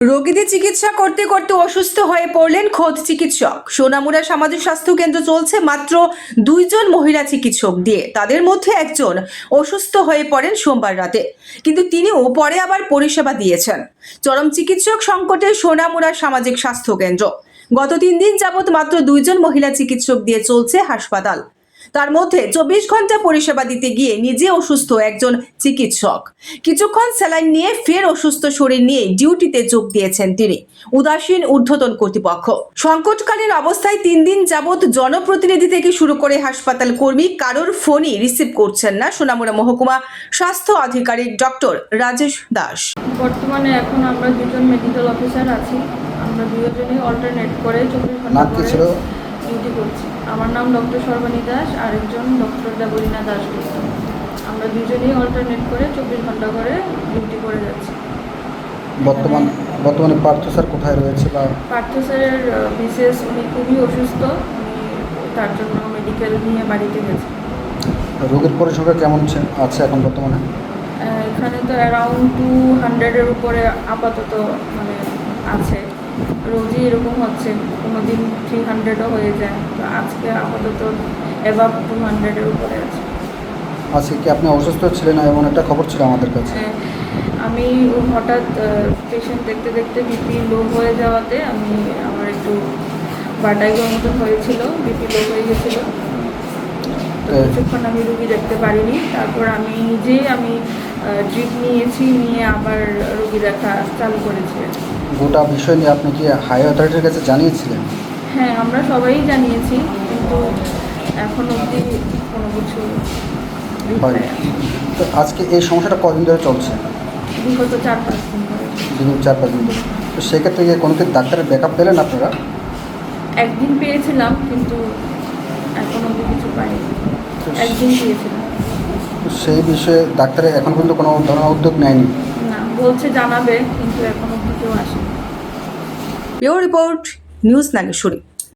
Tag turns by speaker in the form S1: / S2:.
S1: রোগীদের চিকিৎসা করতে করতে অসুস্থ হয়ে পড়লেন খোদ চিকিৎসক। সোনামুড়া সামাজিক স্বাস্থ্য কেন্দ্র চলছে মাত্র 2 জন মহিলা চিকিৎসক দিয়ে। তাদের মধ্যে একজন অসুস্থ হয়ে পড়েন সোমবার রাতে, কিন্তু তিনিও পরে আবার পরিষেবা দিয়েছেন। চরম চিকিৎসক সংকটে সোনামুড়া সামাজিক স্বাস্থ্য কেন্দ্র। গত 3 দিন যাবৎ মাত্র 2 জন মহিলা চিকিৎসক দিয়ে চলছে হাসপাতাল। তার মধ্যে 24 ঘন্টা পরিষেবা দিতে গিয়ে নিজে অসুস্থ একজন চিকিৎসক। কিছুক্ষণ স্যালাইন নিয়ে ফের অসুস্থ শরীর নিয়ে ডিউটিতে যোগ দিয়েছেন তিনি। উদাসীন ঊর্ধ্বতন কর্তৃপক্ষ। সংকটকালীন অবস্থায় 3 দিন যাবৎ জনপ্রতিনিধি থেকে শুরু করে হাসপাতাল কর্মী কারোর ফোনই রিসিভ করছেন না সোনামুড়া মহকুমা স্বাস্থ্য আধিকারিক ডক্টর রাজেশ দাস।
S2: বর্তমানে এখন আমরা 2জন মেডিকেল অফিসার আছি। আমরা 2জনই অল্টারনেট করে 24 ঘন্টা করে ডিউটি করছি। আমার নাম ডক্টর সর্বাণী দাস, আরেকজন ডক্টর দেবলীনা দাশগুপ্ত। আমরা 2জনই অল্টারনেট করে 24 ঘন্টা করে ডিউটি করে যাচ্ছি।
S3: বর্তমানে পার্থ স্যার কোথায় রয়েছে? বা
S2: পার্থ স্যারের বিশেষ উনি খুবই অসুস্থ, উনি তার জন্য মেডিকেল নিয়ে বাড়িতে গেছে।
S3: রোগীর পরিসংখ্যা কেমন আছে এখন বর্তমানে?
S2: এখানে তো অ্যারাউন্ড 200-এর উপরে আপাতত মানে আছে। রোজই এরকম হচ্ছে, কোনো দিন 300ও হয়ে যায়। তো আজকে আপাতত অ্যাবাভ 200-এর উপরে আছে।
S3: আজকে কি আপনি অসুস্থ ছিলেন না, এমন একটা খবর ছিল আমাদের কাছে?
S2: আমি হঠাৎ পেশেন্ট দেখতে দেখতে বিপি লো হয়ে যাওয়াতে আমার একটু বাটাইগোর মতন হয়েছিল, বিপি লো হয়ে গেছিলো। তো কিছুক্ষণ আমি রুগী দেখতে পারিনি। তারপর আমি নিজেই ড্রিপ নিয়ে আবার রুগী দেখা চালু করেছি।
S3: গোটা বিষয় নিয়ে আপনি কি হাই অথরিটির কাছে জানিয়েছিলেন?
S2: হ্যাঁ, আমরা সবাই জানিয়েছি, কিন্তু এখন অবধি কোনো কিছু
S3: হয়। তো আজকে এই সমস্যাটা কদিন ধরে চলছে?
S2: বিগত 4-5 দিন ধরে।
S3: 4-5 দিন ধরে। তো সেক্ষেত্রে গিয়ে কোনো কি ডাক্তারের ব্যাকআপ পেলেন আপনারা?
S2: একদিন পেয়েছিলাম, কিন্তু এখন অবধি কিছু পাইনি। একদিন পেয়েছিলাম।
S3: তো সেই বিষয়ে ডাক্তারে এখন পর্যন্ত কোনো ধরনের উদ্যোগ নেয়নি?
S2: না, বলছে জানাবে, কিন্তু এখন অবধি কেউ আসেনি।
S1: Bureau report, news Nageshwari.